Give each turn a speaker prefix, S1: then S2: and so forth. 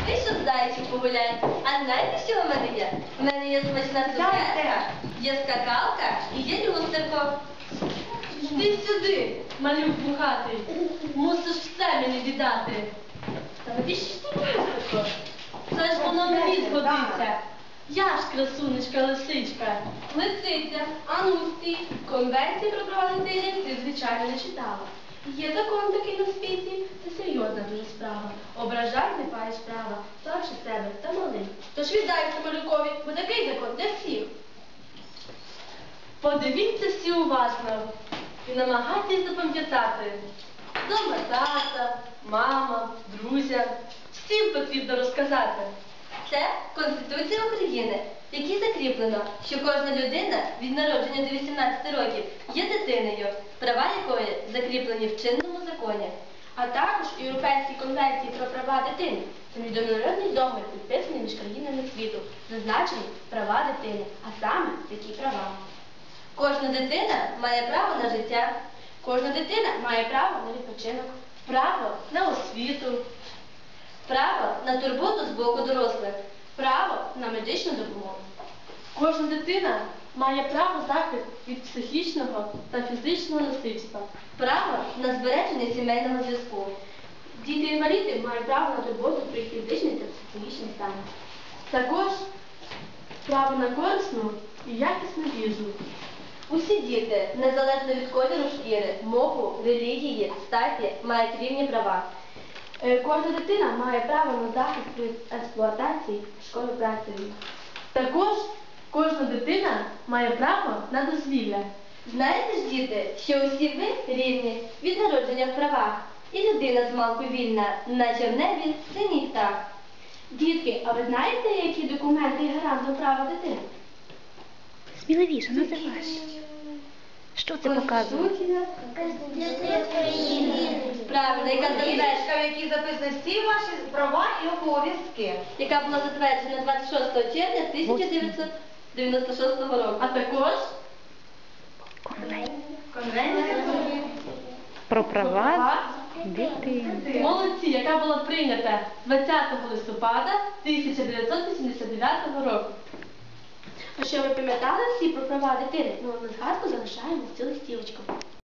S1: Вийшов зайчик погуляти. А знаєте, що в мене є? У мене є смачна цукерка, є скакалка і є люстерко.
S2: Йди сюди, малюк бухатий. Мусиш все мені віддати.
S1: Та навіщо ж ти люстерко?
S2: Це ж воно мені згодиться. Я ж красунечка лисичка.
S1: Лисиця, а ну стій. Конвенції про права дитини ти, звичайно, не читала. Є закон такий на світі, це серйозна дуже справа. Ображай, не маєш права, старше себе та малий. Тож віддайся малюкові, бо такий закон для всіх.
S2: Подивіться всі уважно і намагайтесь запам'ятати. Дома тата, мама, друзям. Всім потрібно розказати.
S1: Це Конституція України, в якій закріплено, що кожна людина від народження до 18 років є дитиною, права якої закріплені в чинному законі. А також Європейській конвенції про права дитини. Це міжнародний договір, підписаний між країнами світу, зазначені права дитини, а саме такі права. Кожна дитина має право на життя, кожна дитина має право на відпочинок,
S2: Право на освіту.
S1: право на турботу з боку дорослих, право на медичну допомогу.
S2: Кожна дитина має право захист від психічного та фізичного насильства.
S1: Право на збереження сімейного зв'язку. Діти-інваліди мають право на турботу про їх фізичний та психологічний стан.
S2: Також право на корисну і якісну їжу.
S1: Усі діти, незалежно від кольору шкіри, мову, релігії, статі, мають рівні права. Кожна дитина має право на захист при експлуатації школою-працею.
S2: Також кожна дитина має право на дозвілля.
S1: Знаєте ж, діти, що усі ви рівні від народження в правах, і людина з малку вільна, наче в небі синій птах. Дітки, а ви знаєте, які документи є гарантом права дитини?
S3: Сміливіше, називаєш. Що це показує?
S1: Конституція України. Правильно, яка
S4: Книжечка, в якій записані всі ваші права і обов'язки.
S1: яка була затверджена 26 червня 1996 року.
S2: А також
S1: Конвенція
S3: Про права дитини.
S2: молодці, яка була прийнята 20 листопада 1989 року.
S1: А що ви пам'ятали всі про права дитини? Ну, на згадку залишаємо цю листівочку.